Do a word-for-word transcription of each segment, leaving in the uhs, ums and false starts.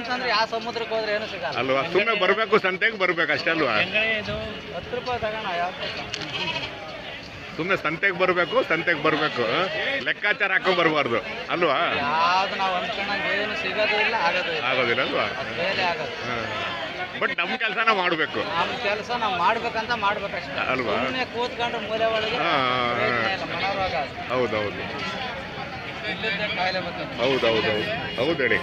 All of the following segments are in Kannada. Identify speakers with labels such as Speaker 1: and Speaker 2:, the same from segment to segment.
Speaker 1: ಅಂತಂದ್ರೆ ಯಾವ ಸಮುದ್ರಕ್ಕೆ ಹೋದ್ರೆ ಏನು ಸಿಗಲ್ಲ
Speaker 2: ಅಲ್ವಾ? ಸುಮ್ಮನೆ ಬರಬೇಕು, ಸಂತೆಗೆ ಬರ್ಬೇಕು ಅಷ್ಟೇ ಅಲ್ವಾ?
Speaker 1: ಹತ್ತು ರೂಪಾಯಿ ತಗೋಣ ಯಾವ
Speaker 2: ಸುಮ್ಮನೆ ಸಂತೆಗೆ ಬರಬೇಕು, ಸಂತೆಗೆ ಬರಬೇಕು, ಲೆಕ್ಕಾಚಾರ ಹಾಕೊಂಡ್ ಬರಬಾರ್ದು ಅಲ್ವಾ?
Speaker 1: ಯಾವ್ದು ನಾವು ಅಂದ್ಕೊಂಡಂಗೆ ಏನು ಸಿಗೋದು ಇಲ್ಲ, ಆಗೋದು ಇಲ್ಲ,
Speaker 2: ಆಗೋದಿಲ್ಲ ಅಲ್ವಾ?
Speaker 1: ಬೇರೆ ಆಗೋದು.
Speaker 2: ಬಟ್ ನಮ್ಮ ಕೆಲಸನ ಮಾಡಬೇಕು,
Speaker 1: ನಮ್ಮ ಕೆಲಸ ನಾವು ಮಾಡ್ಬೇಕಂತ ಮಾಡ್ಬೇಕಷ್ಟೇ
Speaker 2: ಅಲ್ವಾ?
Speaker 1: ಸುಮ್ಮನೆ ಕೂತ್ಕೊಂಡ್ರೆ ಮೂಲೆ ಒಳಗೆ ಮನೋರೋಗ
Speaker 2: ಹೌದೌದು
Speaker 1: ಕಾಯಿಲೆ ಬರ್ತದೆ.
Speaker 2: ಹೌದೌದು ಹೌದು ಹೇಳಿ.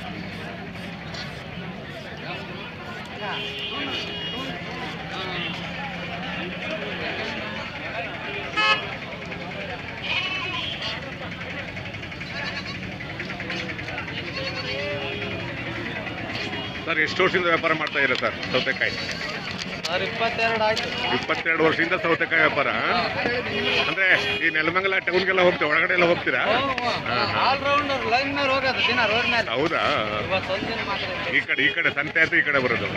Speaker 2: ಸರ್ ಎಷ್ಟು ವರ್ಷದಿಂದ ವ್ಯಾಪಾರ ಮಾಡ್ತಾ ಇದ್ದೀರಾ ಸರ್ ಸೌತೆಕಾಯಿ?
Speaker 1: ಸರ್ ಇಪ್ಪತ್ತೆರಡು ಆಯ್ತು.
Speaker 2: ಇಪ್ಪತ್ತೆರಡು ವರ್ಷದಿಂದ ಸೌತೆಕಾಯಿ ವ್ಯಾಪಾರ ಅಂದ್ರೆ ಈ ನೆಲಮಂಗಲ ಟೌನ್ಗೆಲ್ಲ ಹೋಗ್ತೀರಾ, ಒಳಗಡೆ ಎಲ್ಲ ಹೋಗ್ತೀರಾ?
Speaker 1: ಆಲ್ರೌಂಡರ್ ಲೈನ್ ಮೇಲೆ ಹೋಗೋದು ದಿನ ರೋಡ್ ಮೇಲೆ.
Speaker 2: ಹೌದಾ?
Speaker 1: ಇವತ್ತೊಂದಿನ ಮಾತ್ರ
Speaker 2: ಈ ಕಡೆ ಈ ಕಡೆ ಸಂತೆ ಆಯ್ತು, ಈ ಕಡೆ ಬರೋದು.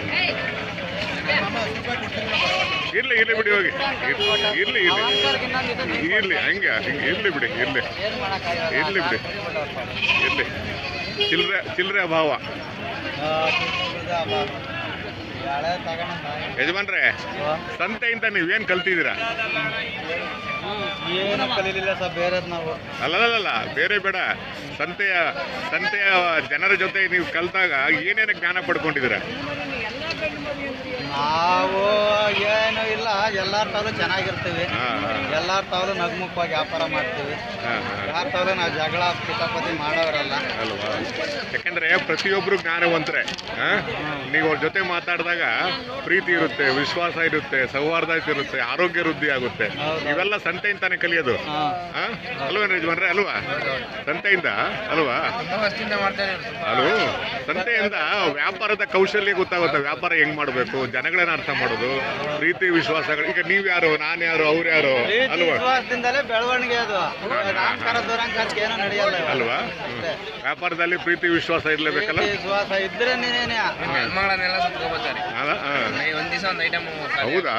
Speaker 2: ಇರ್ಲಿ ಇರ್ಲಿ ಬಿಡಿ, ಹೋಗಿ ಇರ್ಲಿ ಇರ್ಲಿ ಇರ್ಲಿ ಹಂಗೆ ಹಿಂಗೆ ಇರ್ಲಿ ಬಿಡಿ, ಇರ್ಲಿ ಇರ್ಲಿ ಬಿಡಿ, ಇರ್ಲಿ. ಚಿಲ್ಲರೆ ಚಿಲ್ಲರೆ ಅಭಾವ. ಯಜಮಾನ್ರೆ, ಸಂತೆಯಿಂದ ನೀವೇನ್ ಕಲ್ತಿದ್ದೀರಾ?
Speaker 1: ಏನು ಕಲೀಲಿಲ್ಲ ಸರ್ ಬೇರೆ ನಾವು.
Speaker 2: ಅಲ್ಲಲ್ಲ ಬೇರೆ ಬೇಡ, ಸಂತೆಯ ಸಂತೆಯ ಜನರ ಜೊತೆ ನೀವು ಕಲ್ತಾಗ ಏನೇನು ಜ್ಞಾನ ಪಡ್ಕೊಂಡಿದ್ದೀರಾ?
Speaker 1: ನಾವು ಏನು ಇಲ್ಲ, ಎಲ್ಲಾರ ತಾವು ಚೆನ್ನಾಗಿರ್ತೀವಿ, ಎಲ್ಲಾರ ತಾವು ನಗ್ಮುಖವಾಗಿ ವ್ಯಾಪಾರ ಮಾಡ್ತೀವಿ, ಯಾರ ತಾವು ನಾವು ಜಗಳ ಕಿತಾಪತಿ ಮಾಡೋರಲ್ಲ
Speaker 2: ಅಲ್ವಾ? ಯಾಕಂದ್ರೆ ಪ್ರತಿಯೊಬ್ರು ಜ್ಞಾನವಂತರೆ. ನೀವು ಅವ್ರ ಜೊತೆ ಮಾತಾಡಿದಾಗ ಪ್ರೀತಿ ಇರುತ್ತೆ, ವಿಶ್ವಾಸ ಇರುತ್ತೆ, ಸೌಹಾರ್ದ ಇರುತ್ತೆ, ಆರೋಗ್ಯ ವೃದ್ಧಿ ಆಗುತ್ತೆ. ಇವೆಲ್ಲ ಸಂತೆಯಿಂದಾನೆ ಕಲಿಯೋದು ಅಲ್ವಾ ಯಜಮಾನ್ರೆ? ಅಲ್ವಾ? ಸಂತೆಯಿಂದ ಅಲ್ವಾ? ಅಲ್ವ? ಸಂತೆಯಿಂದ ವ್ಯಾಪಾರದ ಕೌಶಲ್ಯ ಗೊತ್ತಾಗುತ್ತೆ, ವ್ಯಾಪಾರ ಹೆಂಗ್ ಮಾಡಬೇಕು, ಜನಗಳನ್ನ ಅರ್ಥ ಮಾಡೋದು, ಪ್ರೀತಿ ವಿಶ್ವಾಸಗಳು. ಈಗ ನೀವ್ ಯಾರು, ನಾನ್ ಯಾರು, ಅವ್ರು ಯಾರು ಅಲ್ವಾ?
Speaker 1: ವಿಶ್ವಾಸದಿಂದಲೇ ಬೆಳವಣಿಗೆ ಅದು. ಏನೋ ನಡೆಯಲ್ಲ
Speaker 2: ಅಲ್ವಾ? ವ್ಯಾಪಾರದಲ್ಲಿ ಪ್ರೀತಿ ವಿಶ್ವಾಸ ಇರ್ಲೇಬೇಕಲ್ಲ?
Speaker 1: ವಿಶ್ವಾಸ ಇದ್ರೆ ನೀನೇನೆ
Speaker 2: ಹೌದಾ?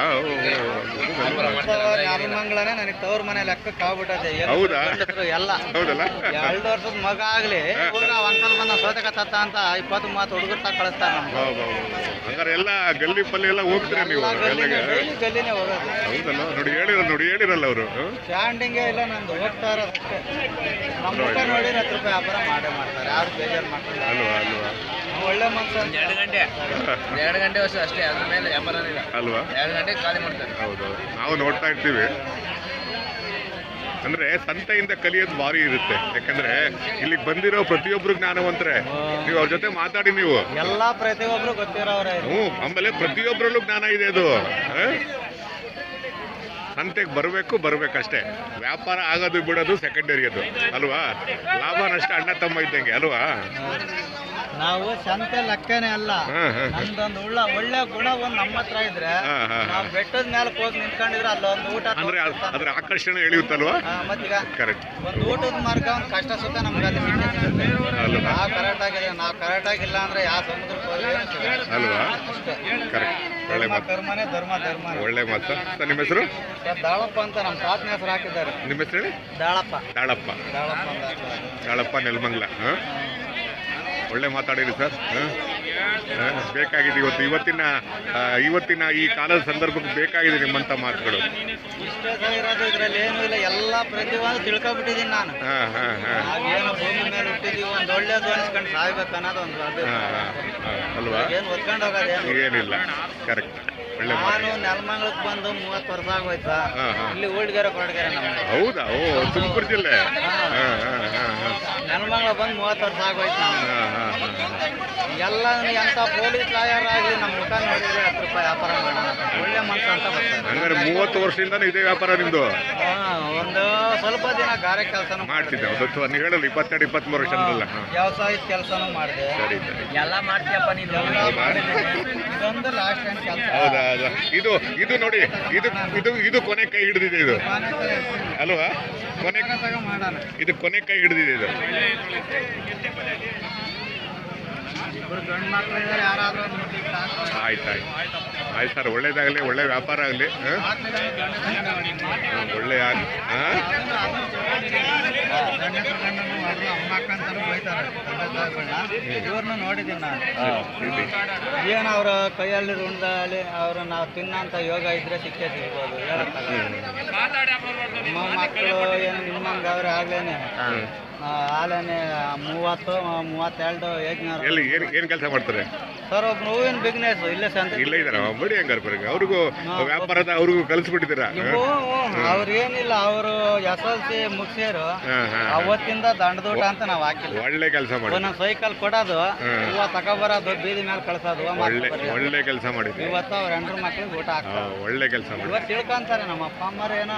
Speaker 1: ಮಂಗಳನೇ ನನಗೆ ತವ್ರ ಮನೆ ಲೆಕ್ಕಕ್ಕೆ ಆಗ್ಬಿಟ್ಟದೆ.
Speaker 2: ಹೌದಾ?
Speaker 1: ಎಲ್ಲ
Speaker 2: ಹೌದಲ್ಲ?
Speaker 1: ಎರಡು ವರ್ಷದ ಮಗ ಆಗ್ಲಿ ಒಂದ್ಸಲ ಬಂದ ಸೋತಕ ತತ್ತ ಅಂತ ಇಪ್ಪತ್ತು ಮೂವತ್ತು ಹುಡುಗರು ತಾ ಕಳಿಸ್ತಾರೆ ನಮ್ಗೆ.
Speaker 2: ಹಂಗಾರೆ ಎಲ್ಲ ಗಲ್ಲಿ ಪಲ್ಲಿ ಎಲ್ಲ ಹೋಗ್ತೀರಾ ನೀವು?
Speaker 1: ಗಲ್ಲಿನೇ ಹೋಗೋದು.
Speaker 2: ಹೌದಲ್ಲ? ನೋಡಿ ಹೇಳಿರಲ್ಲ, ನೋಡಿ ಹೇಳಿರಲ್ಲ ಅವರು.
Speaker 1: ಸ್ಟ್ಯಾಂಡಿಂಗೇ ಇಲ್ಲ ನಂದು, ಹೋಗ್ತಾ ಇರೋದಷ್ಟೇ. ನಮ್ಮ ಮುಖ ನೋಡಿ ಹತ್ತು ರೂಪಾಯಿ ವ್ಯಾಪಾರ ಮಾಡೇ ಮಾಡ್ತಾರೆ, ಯಾರು ಬೇಜಾರು ಮಾಡ್ತಾರೆ
Speaker 2: ಅಲ್ವಾ? ಅಲ್ವಾ?
Speaker 1: ಒಳ್ಳೆ ಮನ್ಸು.
Speaker 3: ಎರಡು ಗಂಟೆ ಎರಡು ಗಂಟೆ ವರ್ಷ ಅಷ್ಟೇ, ಅದ್ರ ಮೇಲೆ ವ್ಯಾಪಾರ
Speaker 2: ಅಲ್ವಾ?
Speaker 3: ಎರಡು ಗಂಟೆ ಖಾಲಿ ಮಾಡ್ತಾರೆ.
Speaker 2: ಹೌದೌದು, ನಾವು ನೋಡ್ತಾ ಇರ್ತೀವಿ. ಅಂದ್ರೆ ಸಂತೆಯಿಂದ ಕಲಿಯೋದು ಭಾರಿ ಇರುತ್ತೆ. ಯಾಕಂದ್ರೆ ಇಲ್ಲಿಗೆ ಬಂದಿರೋ ಪ್ರತಿಯೊಬ್ರು ಜ್ಞಾನವಂತರೆ. ನೀವು ಅವ್ರ ಜೊತೆ ಮಾತಾಡಿ, ನೀವು
Speaker 1: ಎಲ್ಲಾ ಪ್ರತಿಯೊಬ್ರು ಗೊತ್ತಿರೋರೇ.
Speaker 2: ಹ್ಞೂ, ಆಮೇಲೆ ಪ್ರತಿಯೊಬ್ಬರಲ್ಲೂ ಜ್ಞಾನ ಇದೆ. ಅದು ಸಂತೆಗೆ ಬರಬೇಕು, ಬರ್ಬೇಕಷ್ಟೇ. ವ್ಯಾಪಾರ ಆಗೋದು ಬಿಡೋದು ಸೆಕೆಂಡರಿ, ಅದು ಅಲ್ವಾ? ಲಾಭ ನಷ್ಟ ಅಣ್ಣ ತಮ್ಮ ಇದ್ದಂಗೆ ಅಲ್ವಾ?
Speaker 1: ನಾವು ಸಂತೆ ಲೆಕ್ಕನೇ ಅಲ್ಲ, ನಮ್ದೊಂದು ಉಳ್ಳ ಒಳ್ಳೆ ಗುಣ ಒಂದ್ ನಮ್ಮ ಹತ್ರ ಇದ್ರೆ ನಾವು ಬೆಟ್ಟದ ಮೇಲೆ ಹೋಗಿ ನಿಂತ್ಕೊಂಡಿದ್ರೆ ಅಲ್ಲೊಂದು ಊಟ
Speaker 2: ಅಂದ್ರೆ ಅದ್ರ ಆಕರ್ಷಣೆ ಎಳೆಯುತ್ತಲ್ವಾ?
Speaker 1: ಮತ್ತೀಗ
Speaker 2: ಕರೆಕ್ಟ್.
Speaker 1: ಒಂದು ಊಟದ ಮಾರ್ಗ ಒಂದು ಕಷ್ಟ ಸುತ್ತ ನಮ್ಗೆ ಅಲ್ಲಿ ನಾವು ಕರೆಕ್ಟ್ ಆಗಿದೆ. ನಾವು ಕರೆಕ್ಟ್ ಆಗಿಲ್ಲ ಅಂದ್ರೆ ಯಾವ ಸಮುದ್ರಕ್ಕೆ ಹೋಗಿ
Speaker 2: ಅಲ್ವಾ? ಕರೆಕ್ಟ್. ಒಳ್ಳೆ ಮಾತು,
Speaker 1: ಧರ್ಮನೇ ಧರ್ಮ ಧರ್ಮ.
Speaker 2: ಒಳ್ಳೆ ಮಾತು. ಸರ್ ನಿಮ್ಮ ಹೆಸರು?
Speaker 1: ದಾಳಪ್ಪ ಅಂತ ನಮ್ಮ ತಾತನ ಹೆಸರು ಹಾಕಿದ್ದಾರೆ.
Speaker 2: ನಿಮ್ಮ ಹೆಸರು ಹೇಳಿ?
Speaker 1: ದಾಳಪ್ಪ.
Speaker 2: ದಾಳಪ್ಪ
Speaker 1: ದಾಳಪ್ಪ
Speaker 2: ದಾಳಪ್ಪ ನೆಲಮಂಗಲ. ಹಾಂ, ಒಳ್ಳೆ ಮಾತಾಡಿರಿ ಸರ್. ಬೇಕಾಗಿದೆ ಇವತ್ತು, ಇವತ್ತಿನ ಇವತ್ತಿನ ಈ ಕಾಲದ ಸಂದರ್ಭಕ್ಕೆ ಬೇಕಾಗಿದೆ ನಿಮ್ಮಂಥ ಮಾತುಗಳು.
Speaker 1: ಇಷ್ಟೇ ಸಹ ಇರೋದು, ಇದ್ರಲ್ಲಿ ಏನೂ ಇಲ್ಲ, ಎಲ್ಲ ಪ್ರತಿಯೊಂದು ತಿಳ್ಕೊಬಿಟ್ಟಿದ್ದೀನಿ ನಾನು.
Speaker 2: ಹಾಂ ಹಾಂ ಹಾಂ
Speaker 1: ನಾವೇನೋ ಭೂಮಿ ಮೇಲೆ ಹುಟ್ಟಿದೀವಿ, ಒಂದು ಒಳ್ಳೇದು ಅನ್ಸ್ಕೊಂಡು ಸಾಯ್ಬೇಕು ಅನ್ನೋದು ಒಂದು
Speaker 2: ಅಲ್ವಾ?
Speaker 1: ಏನು ಹೊತ್ಕೊಂಡು ಹೋಗೋದೇನು
Speaker 2: ಏನಿಲ್ಲ. ಕರೆಕ್ಟ್. ಒಳ್ಳೆ
Speaker 1: ನಾನು ನೆಲಮಂಗಲಕ್ಕೆ ಬಂದು ಮೂವತ್ತು ವರ್ಷ ಆಗೋಯ್ತಾ. ಇಲ್ಲಿ ಊಳ್ಗೆರೆ ಕೊರಟಗೆರೆ ನಮ್ಗೆ.
Speaker 2: ಹೌದಾ? ಓ, ತುಮಕೂರು ಜಿಲ್ಲೆ.
Speaker 1: ನೆಲಮಂಗಲ ಬಂದು ಮೂವತ್ತು ವರ್ಷ ಆಗೋಯ್ತು. ಎಲ್ಲ ಎಂತ ಪೊಲೀಸ್ ಲಾಯರ್ ಆಗಲಿ ನಮ್ಮ ಮುಖ ನೋಡಿದ್ರೆ ಹತ್ತು ರೂಪಾಯಿ ವ್ಯಾಪಾರ ಮಾಡೋಣ, ಒಳ್ಳೆ ಮನ್ಸು ಅಂತ ಬರ್ತಾರೆ.
Speaker 2: ಹಂಗಾರೆ ಮೂವತ್ತು ವರ್ಷದಿಂದ ಇದೇ ವ್ಯಾಪಾರ ನಿಮ್ದು?
Speaker 1: ಒಂದು ಸ್ವಲ್ಪ ದಿನ ಗಾರೆ ಕೆಲಸನೂ
Speaker 2: ಮಾಡ್ತಿದ್ದೆ. ಒಂದು ನೀವು ಹೇಳಲ್ಲ ಇಪ್ಪತ್ತೆರಡು ಇಪ್ಪತ್ಮೂರು ವರ್ಷ ಅಂದ್ರಲ್ಲ.
Speaker 1: ವ್ಯವಸಾಯದ ಕೆಲಸನೂ ಮಾಡಿದೆ.
Speaker 2: ಸರಿ ಸರಿ,
Speaker 3: ಎಲ್ಲ ಮಾಡ್ತೀಯಪ್ಪ ನೀನು.
Speaker 1: ಇದೊಂದು ಲಾಸ್ಟ್ ಟೈಮ್ ಕೆಲಸ.
Speaker 2: ಹೌದಾ? ಇದು ಇದು ನೋಡಿ, ಇದು ಇದು ಇದು ಕೊನೆ ಕೈ ಹಿಡಿದಿದೆ ಇದು ಅಲ್ವಾ? ಕೊನೆ ಇದು ಕೊನೆ ಕೈ ಹಿಡಿದಿದೆ ಇದು.
Speaker 1: ಇಬ್ರು ಗಂಡು ಮಕ್ಳು ಇದ್ದಾರೆ, ಯಾರಾದ್ರೂ ಒಂದು ಮುಟ್ಟಿಗೆ ಸಾಕು.
Speaker 2: ಆಯ್ತು ಆಯ್ತು ಆಯ್ತು ಸರ್, ಒಳ್ಳೇದಾಗಲಿ, ಒಳ್ಳೆ ವ್ಯಾಪಾರ ಆಗಲಿ, ಒಳ್ಳೆ ಆಗಲಿ. ಹಾಂ
Speaker 1: ಗಂಡಸರು ಗಂಡನು ಅವರು ಅಮ್ಮ ಅಕ್ಕ ಅಂತಾನು ಬೈತಾರೆ ತಂದೆ ತಾಯಿಗಳನ್ನ. ಇವ್ರನ್ನ ನೋಡಿದ್ದೀನಿ ನಾನು. ಏನು ಅವರ ಕೈಯಲ್ಲಿ ರುಣದಲ್ಲಿ ಅವರು ನಾವು ತಿನ್ನಂತ ಯೋಗ ಇದ್ರೆ ಸಿಕ್ಕೇ ಸಿಗ್ಬೋದು, ಹೇಳಕ್ಕಾಗಲ್ಲ. ನಮ್ಮ ಮಕ್ಕಳು ಏನು ನಿಮ್ಮಂಗೆ ಅವ್ರೆ ಆಗ್ಲೇನೆ ಹಾಲೇನೆ ಮೂವತ್ತು ಮೂವತ್ತೆರಡು ಏಜ್ನವ್ರು.
Speaker 2: ಎಲ್ಲಿ ಏನು ಏನು ಕೆಲಸ ಮಾಡ್ತಾರೆ
Speaker 1: ಸರ್ ಒಬ್ರು ಹೂವಿನ ಬಿಸ್ನೆಸ್ ಇಲ್ಲೇ ಸಂತ
Speaker 2: ಇಲ್ಲ ಇದಾರ ಬಡಿ ಹಂಗಾರ ಬರಂಗ ಅವ್ರಿಗೂ ವ್ಯಾಪಾರದ ಅವ್ರಿಗೂ ಕಲಿಸ್ಬಿಟ್ಟಿದ್ದೀರಾ?
Speaker 1: ಅವ್ರು ಏನಿಲ್ಲ, ಅವರು ಎಸ್ ಎಲ್ ಸಿ ಮುಗಿಸಿರು, ಅವತ್ತಿಂದ ದಂಡದೂಟ ಅಂತ ನಾವು ಹಾಕಿಲ್ಲ.
Speaker 2: ಒಳ್ಳೆ ಕೆಲಸ ಮಾಡಿ,
Speaker 1: ಒಂದೊಂದು ಸೈಕಲ್ ಕೊಡೋದು, ಹೂವ ತಗೊಬರೋದು, ಬೀದಿ ಮೇಲೆ ಕಳ್ಸೋದು.
Speaker 2: ಒಳ್ಳೆ ಒಳ್ಳೆ ಕೆಲಸ ಮಾಡಿದ್ವಿ.
Speaker 1: ಇವತ್ತು ಅವ್ರ ಹೆಂಡ್ರ ಮಕ್ಳಿಗೆ ಊಟ ಹಾಕ್ತಾರೆ.
Speaker 2: ಒಳ್ಳೆ ಕೆಲಸ ಮಾಡಿ.
Speaker 1: ಇವತ್ತು ತಿಳ್ಕೊಂತಾರೆ ನಮ್ಮ ಅಪ್ಪ ಅಮ್ಮರು ಏನೋ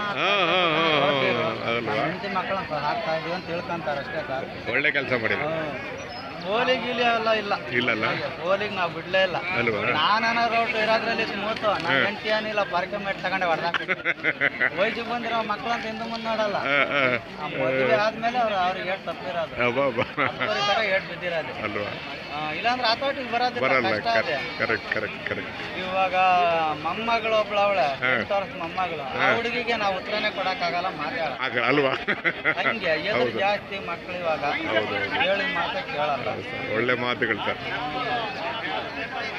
Speaker 1: ಹೆಂಡತಿ ಮಕ್ಕಳು ಹಾಕ್ತಾ ಇದೀವಿ ಅಂತ ತಿಳ್ಕೊಂತಾರೆ ಅಷ್ಟೇ ಸರ್.
Speaker 2: ಒಳ್ಳೆ ಕೆಲಸ ಮಾಡಿದ್ವಿ.
Speaker 1: ಹೋಲಿ ಗೀಲಿ ಎಲ್ಲ ಇಲ್ಲ,
Speaker 2: ಇಲ್ಲಲ್ಲ
Speaker 1: ಹೋಲಿಗೆ ನಾವು ಬಿಡ್ಲೇ ಇಲ್ಲ.
Speaker 2: ಅಲ್ವಾ?
Speaker 1: ನಾನ ರೋಡ್ ಇರೋದ್ರಲ್ಲಿ ಸ್ಮೂತ್, ನನ್ನ ಹೆಂಡತಿ ಏನಿಲ್ಲ ಪಾರ್ಕೆ ಮೇಟ್ ತಗೊಂಡೆ ಹೊಡೆದಾಕ ವಯಸ್ಸಿಗೆ ಬಂದಿರೋ ಮಕ್ಕಳಂತ ಹಿಂದೆ ಮುಂದೆ ನೋಡಲ್ಲ. ಮದುವೆ ಆದ್ಮೇಲೆ ಅವ್ರು ಅವ್ರಿಗೆ ಏಟ್ ತಪ್ಪಿರೋದು, ತರ ಏಟ್ ಬಿದ್ದಿರೋದು
Speaker 2: ಅಲ್ವಾ?
Speaker 1: ಇಲ್ಲಾಂದ್ರೆ ಆತೋಟಿಗೆ ಬರೋದಿಲ್ಲ,
Speaker 2: ಬರಲ್ಲ.
Speaker 1: ಕಷ್ಟ ಇದೆ.
Speaker 2: Correct correct correct.
Speaker 1: ಇವಾಗ ಮೊಮ್ಮಗಳು ಒಬ್ಳು ಅವಳೆ, ಎಂಟು ವರ್ಷ ಮೊಮ್ಮಗಳು, ಆ ಹುಡುಗಿಗೆ ನಾವು ಉತ್ತರನೇ ಕೊಡಕ್ಕಾಗಲ್ಲ, ಮಾತಾಡ
Speaker 2: ಅಲ್ವಾ?
Speaker 1: ಹಂಗೆ ಎದುರು ಜಾಸ್ತಿ ಮಕ್ಳು ಇವಾಗ ಹೇಳಿ ಮಾತಾ ಕೇಳಲ್ಲ.
Speaker 2: ಒಳ್ಳೆ ಮಾತುಗಳು ಸರ್.